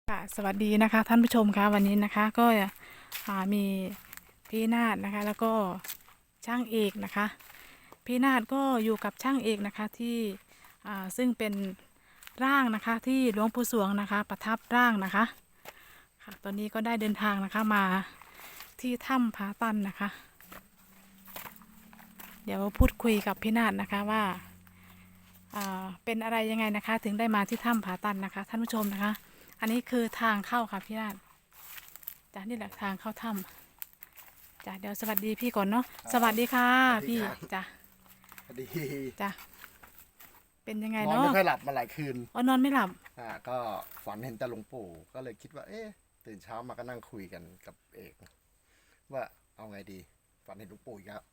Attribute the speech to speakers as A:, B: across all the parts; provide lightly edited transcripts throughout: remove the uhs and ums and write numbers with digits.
A: ค่ะสวัสดีนะคะท่านผู้ชมคะวันนี้นะคะก็มีพี่นาฏนะคะแล้วก็ช่างเอกนะคะพี่นาฏก็อยู่กับช่างเอกนะคะที่ซึ่งเป็นร่างนะคะที่หลวงปู่สวงนะคะประทับร่างนะคะค่ะตอนนี้ก็ได้เดินทางนะคะมาที่ถ้ำผาตันนะคะเดี๋ยวพูดคุยกับพี่นาฏนะคะว่าเป็นอะไรยังไงนะคะถึงได้มาที่ถ้ำผาตันนะคะท่านผู้ชมนะคะอันนี้คือทางเข้าค่ะพี่นาฏ จ้ะนี่แหละทางเข้าถ้ำจ้ะเดี๋ยวสวัสดีพี่ก่อนเนาะสวัสดีค่ะพี่จ้ะ
B: พอดี
A: จ้ะเป็นยังไง
B: นอน
A: เนาะ
B: ไม่ค่อยหลับมาหลายคืน
A: อ๋อนอนไม่หลับ
B: ก็ฝันเห็นแต่หลวงปู่ก็เลยคิดว่าเอ๊ะตื่นเช้ามาก็นั่งคุยกันกับเอกว่าเอาไงดีฝันเห็นหลวงปู่อีกแล้ว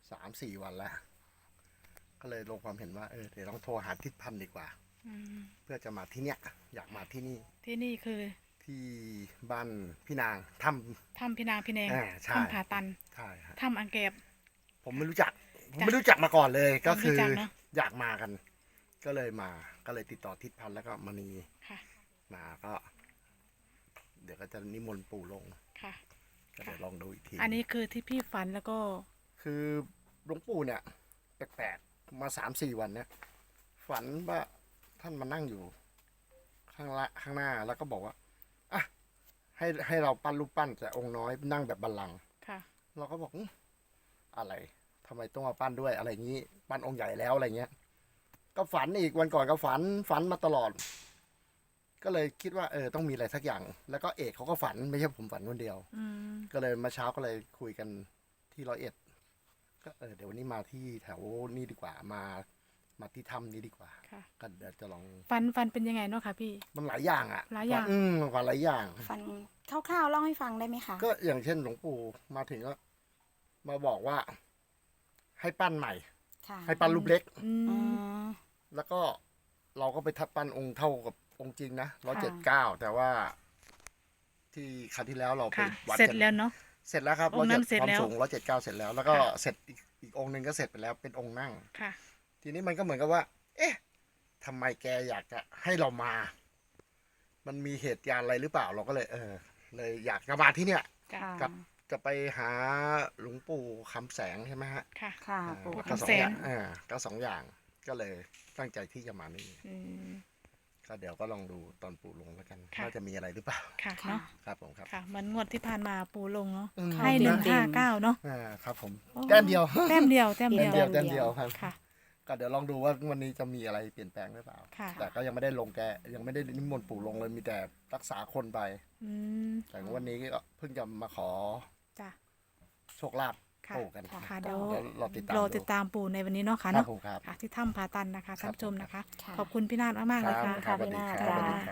B: 3-4 วันแล้วก็เลยลงความเห็นว่าเดี๋ยวต้องโทรหาทิศพันธ์ดีกว่าเพื่อจะมาที่เนี้ยอยากมาที่นี่
A: ที่นี่คือ
B: ที่บ้านพี่นาง
A: ถ้ำพี่นางพี่แนง
B: ใช่
A: ถ้ำผาตัน
B: ใช่ฮะ
A: ถ้ำอังเก็บ
B: ผมไม่รู้จักมาก่อนเลยก็คือ
A: ไม่รู้จักเนอะ
B: อยากมากันก็เลยมาก็เลยติดต่อทิศพันธ์แล้วก็มณี
A: ค่ะ
B: มาก็เดี๋ยวก็จะนิมนต์ปู่ลง
A: ค่ะ
B: ก็เดี๋ยวลองดูอีกที
A: อันนี้คือที่พี่ฝันแล้วก็
B: คือหลวงปู่เนี่ยแปลกๆมา3-4 วันเนี่ยฝันว่าท่านมานั่งอยู่ข้างหน้าแล้วก็บอกว่าอ่ะให้เราปั้นรูปปั้นแต่องค์น้อยนั่งแบบบัลลังก์
A: ค่ะ
B: เราก็บอกอะไรทำไมต้องมาปั้นด้วยอะไรอย่างนี้ปั้นองค์ใหญ่แล้วอะไรเงี้ยก็ฝันอีกวันก่อนก็ฝันมาตลอดก็เลยคิดว่าต้องมีอะไรสักอย่างแล้วก็เอกเขาก็ฝันไม่ใช่ผมฝันคนเดียวก็เลยมาเช้าก็เลยคุยกันที่101ก็เดี๋ยววันนี้มาที่แถวนี้ดีกว่ามาที่ถ้ำนี้ดีกว่าก็เดี๋ยวจะลอง
A: ฝันเป็นยังไงเนาะค่ะพี่
B: มันหลายอย่าง
A: หลายอย่าง
B: ฝันหลายอย่าง
C: ฝันคร่าวๆเล่าให้ฟังได้ไหมคะ
B: ก็อย่างเช่นหลวงปู่มาถึงก็มาบอกว่าให้ปั้นใหม่ให้ปั้นรูปเล็กแล้วก็เราก็ไปทับปั้นองค์เท่ากับองค์จริงนะ179แต่ว่าที่ครั้งที่แล้วเราไปวัด
A: เสร็จแล้วเนาะ
B: เสร็จแล้วครับ
A: องค์นั้นเสร็จแล้ว
B: ความสูง179เสร็จแล้วแล้วก็เสร็จอีกองค์หนึ่งก็เสร็จไปแล้วเป็นองค์นั่ง
A: ค่ะ
B: ทีนี้มันก็เหมือนกับว่าเอ๊ะทำไมแกอยากจะให้เรามามันมีเหตุการณ์อะไรหรือเปล่าเราก็เลยเลยอยากจะมาที่เนี่ยกับจะไปหาหลวงปู่คำแสงใช่ไหมฮะ
A: ค่ะ
B: ปู่คำแสงก็2 อย่างก็เลยตั้งใจที่จะมานี่ก็เดี๋ยวก็ลองดูตอนปู่ลงแล้วกันว่าจะมีอะไรหรือเปล่า
A: ค่ะเนาะ
B: ครับผมครับ
A: ค่ะมันงวดที่ผ่านมาปู่ลงเนาะให้159เนาะ
B: ครับผมแต้มเดียว
A: แต้มเดียว
B: ครับ
A: ค่ะ
B: ก็เดี๋ยวลองดูว่าวันนี้จะมีอะไรเปลี่ยนแปลงหรือเปล่าแต่ก็ยังไม่ได้ลงยังไม่ได้นิมนต์ปู่ลงเลยมีแต่รักษาคนไปแต่วันนี้ก็เพิ่งจะมาขอโชคลาภปู่กัน
A: ค่ะเดี๋ยว
B: รอ
A: ติดตามปู่ในวันนี้เนาะค่ะเนาะที่ถ้ำผาตันนะคะท่านผู้ชมนะคะขอบคุณพี่นาฏมากๆเลยค่ะ
C: พี่นาฏ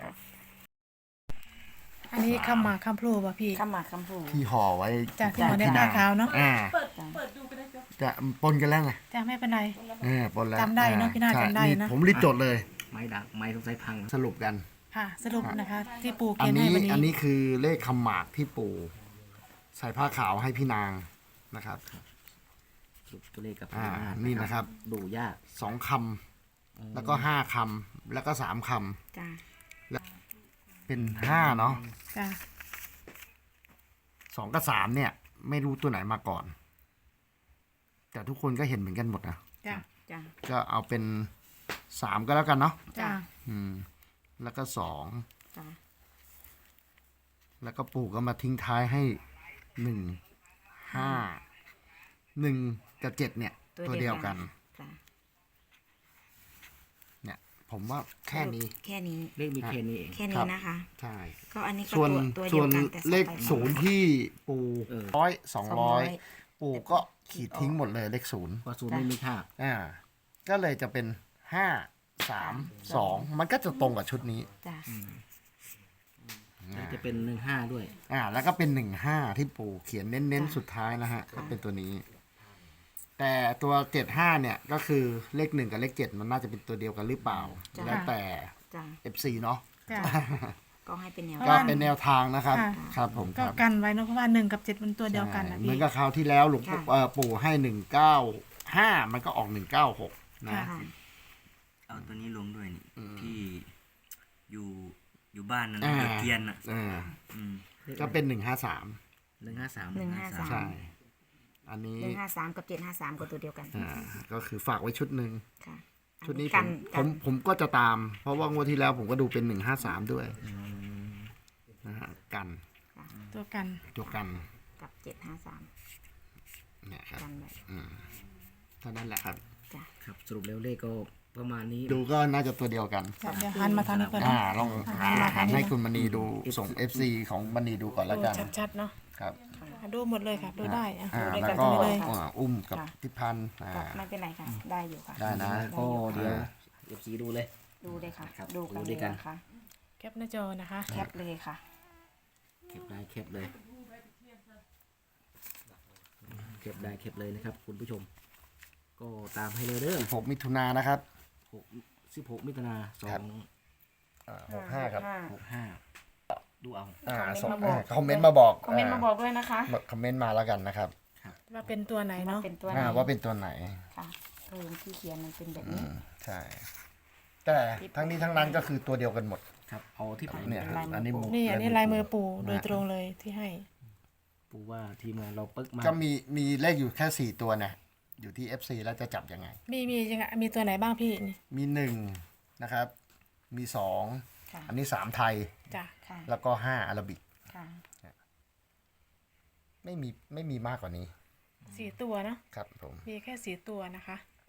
A: อันนี้คำหมากคำพลูป่ะพี่
C: คำหมากคำพลู
B: ที่ห่อไว้
A: จากที่หัวในตาขาวเนาะ
B: เปิดดูกันได้จะปนกันแล้วไง
A: จะไม่เป็นไร
B: ปนแล้ว
A: จำได้เนาะพี่นาฏจำได้นะ
B: ผมรีบจดเลย
D: ไม้ดักไม้สงสัยพัง
B: สรุปกัน
A: ค่ะสรุปนะคะที่ปู่เขียนให้วันนี้
B: อันนี้คือเลขคำหมากที่ปู่ใส่ผ้าขาวให้พี่นางนะครับ
D: ตัวเลขกับ
B: นี่นะครับ
D: ดูยาก
B: 2 คำแล้วก็5 คำแล้วก็3 คำ
A: จ้า
B: แล้วเป็น5เนาะ
A: จ้า
B: 2กับ3เนี่ยไม่รู้ตัวไหนมาก่อนแต่ทุกคนก็เห็นเหมือนกันหมดนะ
A: จ้า
B: ก็เอาเป็น3ก็แล้วกันเนาะ
A: จ้า
B: แล้วก็2แล้วก็ปู่ก็มาทิ้งท้ายให้1 5 1กับ7เนี่ยตัวเดียวกันเนี่ยผมว่าแค่นี้
D: เลขมีแค่นี้เอง
C: แค่นี้นะคะ
B: ใช่
C: ก็อันนี้ก็
B: ตัวเดียวกันแต่เลข0ที่ปู่100-200ปู่ก็ขีดทิ้งหมดเลยเลข0
D: เพราะ0ไม่มีค่า
B: ก็เลยจะเป็น5-3-2มันก็จะตรงกับชุดนี้
D: จะเป็น15ด้วย
B: แล้วก็เป็น15ที่ปู่เขียนเน้นๆสุดท้ายนะฮะก็เป็นตัวนี้แต่ตัว75เนี่ยก็คือเลข1กับเลข7มันน่าจะเป็นตัวเดียวกันหรือเปล่าแล้วแต่ FC เนาะ
C: ก็ให้เป็น
B: แนวทางนะครับครับผม
A: ก็กันไว้เนาะเพราะว่า1กับ7มันตัวเดียวกันนะ
B: เหมือนกับคราวที่แล้วหลวงปู่ให้195มันก็ออก196นะ
D: เอาตัวนี้ลงด้วยนี่ที่อยู่
E: อยู่บ้านนั่น
B: อ่า
E: เด็กเกรียนอ่ะ
B: อ่า
E: อืม
B: ก็เป็น153
D: 153
C: 153
B: ใช่ อันนี้
C: 153 กับ 753 ก็ตัวเดียวกัน
B: ก็คือฝากไว้ชุดหนึ่ง
C: ค่ะ
B: ชุดนี้
C: กัน
B: ผมก็จะตาม เพราะว่างวดที่แล้วผมก็ดูเป็น153ด้วยนะฮะกัน
A: ตัวกัน
B: ตัวกัน
C: กับ 753
B: เนี่ยครับ
C: กันไว้
B: เท่านั้นแหละครับ
C: จ้ะ
D: ครับสรุปแล้วเลขก็ประมาณนี้
B: ดูก็น่าจะตัวเดียวกัน
A: เดี๋ยวหันมาทางนี้ก่อน
B: ลองหันให้คุณมณีดูส่ง FC ของมณีดูก่อนแล้ว
A: ดู
B: กัน
A: ชัดๆเนาะ
B: ครับ
A: ดูหมดเลยค่ะ ดูได้อะ
B: อ่า
A: ดูด้วย
B: แล้
A: กั
B: วน ก็
A: ไปเลย
B: อุ้มกับทิพันธ์
C: ไม่เป็นไรค่ะ ได้อยู่ค่ะ
B: ได้นะ
D: ก็เดี๋ยว FC ดูเลย
C: ดูเลยค่ะ
D: ครับ
C: ดูกัน
D: ดู
C: เล
D: ด้วย
C: ย
D: กัน
C: นะคะ
A: แคปหน้าจอนะคะ
C: แคปเลยค่ะ
D: เก็บได้เก็บเลยเก็บได้เก็บเลยนะครับ คุณผู้ชม ก็ตามให้เลยเด้อ
B: 16 มิถุนายนนะครับ
D: 16 มิถุนา
B: ครับ 65 ครับ
D: 65ดูเอา
B: ส่ง
C: คอมเมนต์มาบอก
B: คอมเมนต์มาบอก
C: คอมเมนต์มาบอกด้วยนะคะ
B: คอมเมนต์มาแล้วกันนะครับ
A: ว่าเป็นตัวไหนเนาะ
C: เป็นตัวไหน
B: ว่าเป็นตัวไหน
C: ค่ะที่เขียนมันเป็นแบบ
B: อื
C: นี้
B: มใช่ แต่ทั้งนี้ทั้งนั้นก็คือตัวเดียวกันหมด
D: ครับเอาที่ผม
B: เนี่ย
C: เป็นลายมือ
B: อันนี้
C: ปู่
A: นี่อันนี้ลายมือปู่โดยตรงเลยที่ให้
D: ปูว่าทีมงานเราปึ๊กมา
B: ก็มีเลขอยู่แค่ 4 ตัวนะอยู่ที่ FC แล้วจะจับยังไง
A: มียังไงมีตัวไหนบ้างพี่นี่
B: มี 1 นะครับ มี 2
C: ค่ะ
B: อันนี้ 3 ไทย
A: จ้ะ
C: ค่ะ
B: แล้วก็ 5 อาราบิก
C: ค่ะ
B: ไม่มีมากกว่านี้
A: สี่ตัวเนาะ
B: ครับผม
A: มีแค่สี่ตัวนะคะ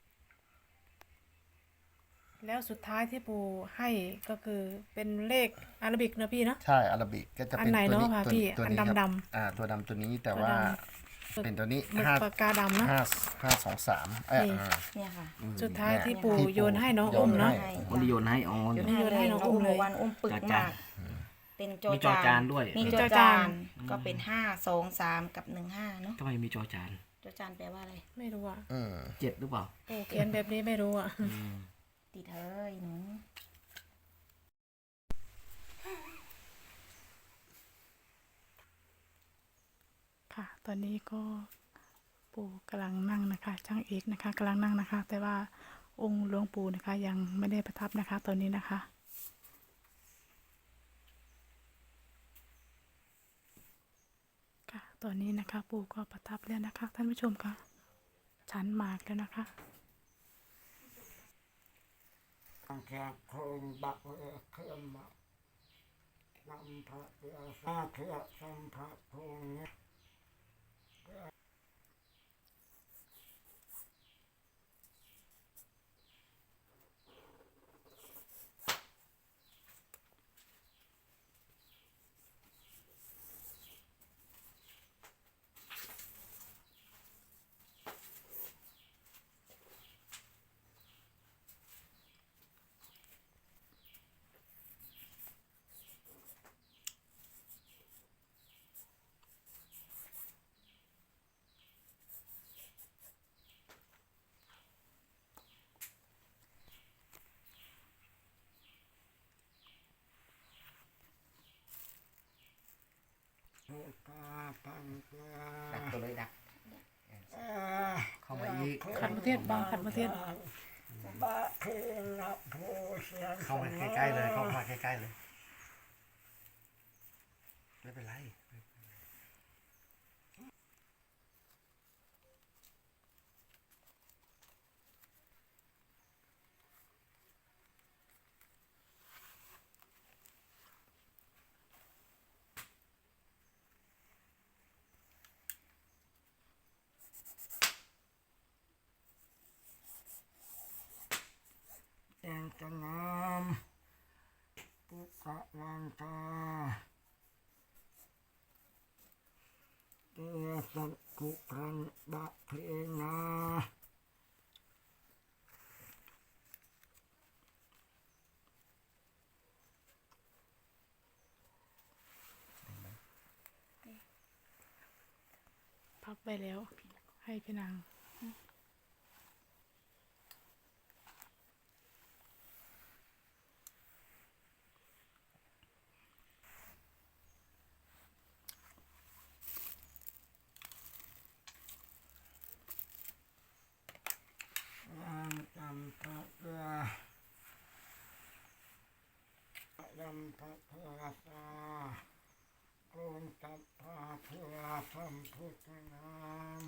A: แล้วสุดท้ายที่ปู่ให้ก็คือเป็นเลขอาราบิกเนอะพี่เนาะ
B: ใช่อาราบิกก็จะ
A: อั
B: เป็น น
A: ไหน
B: ตัวนี้
A: เนาะคะ
B: ตัว
A: พี่
B: ตัว
A: อัน
B: นี้ครับ
A: ดำ
B: ตัวดำตัวนี้แต่ว่า
A: ตัวด
B: เป็นตัวนี้
A: หมึก
B: ห้า
A: ปากกาดำเนาะ
B: 5 2 3
A: นี่
C: เนี่ยค่ะ
A: สุดท้ายที่
B: เนี่ย
A: ปู่
B: ที่
A: โยนให้น้อง
B: โย
A: อุ้มเนาะ
B: ให้
D: คนที่โยนให้ออน
C: โยน
A: โยนให้
C: ให้
A: น้
C: น้
A: อ
C: อง ง
A: อุ้
C: อุ้
A: ม
C: ม
A: เลย
C: วันอุ้มปึก
D: จาน
C: มาก เป็นโจ
D: มีจอจานด้วย
C: มี
A: มี
C: โจ
A: จอ
C: จา
A: จาน
C: นก็เป็น5 2 3 กับ 15เนาะ
D: ทำไมมีจอจาน
C: โจจานแปลว่าอะไร
A: ไม่รู้อ่ะ
D: 7หรือเปล่า
A: ปู่เขียนแบบนี้ไม่รู้อ่ะ
C: ติดเฮ้ยหนู
A: ค่ะ ตอนนี้ก็ปู่กำลังนั่งนะคะช่างเอกนะคะกำลังนั่งนะคะ แต่ว่าองค์หลวงปู่นะคะ ยังไม่ได้ประทับนะคะ ตอนนี้นะคะ ค่ะ ตอนนี้นะคะ ปู่ก็ประทับแล้วนะคะ ท่านผู้ชมค่ะฉันหมากแล้วนะคะ
F: แค่โคงบักเครื่องมาลำพระเรือซาเครือสัมพระพงเนี้ย โอกาพังเกลือ
D: ดักตัวเลยดัก
F: เอ่อ
D: เข้ามาอีก
A: ขันประเทศบางขันประเทศ
F: บะเคนละโพเสียง
B: เข้ามาใกล้ๆเลยเข้ามาใกล้ๆเลยไม่เป็นไร
F: แองจะงามปุกะวันตาเตสันกุรันบะเพนา
A: พับไปแล้ว ให้พี่นาง
F: วางจำพระเรือยำพระเทวสาโกนตับพระเทวสัมพุทธนาม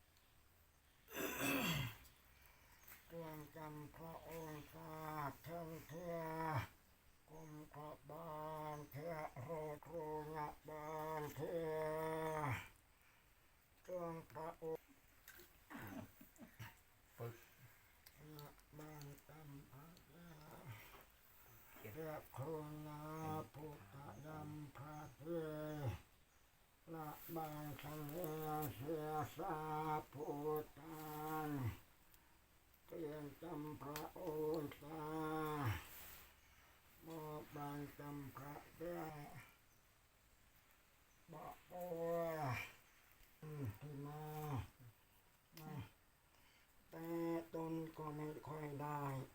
F: เตือนจำพระองค์ศาเทิงเถื่อกุมขบานเถื่อโรครูงะบานเถื่อเตือนพระองค์ ละบางตำพระยาเรียกโคนาพุทธยำพระเทละบางสังเวียนเสียสาพุทธันเตียนจำพระโอษาโมบางจำพระเดียบอกโอ้ที่มาแต่ตนก็ไม่ค่อยได้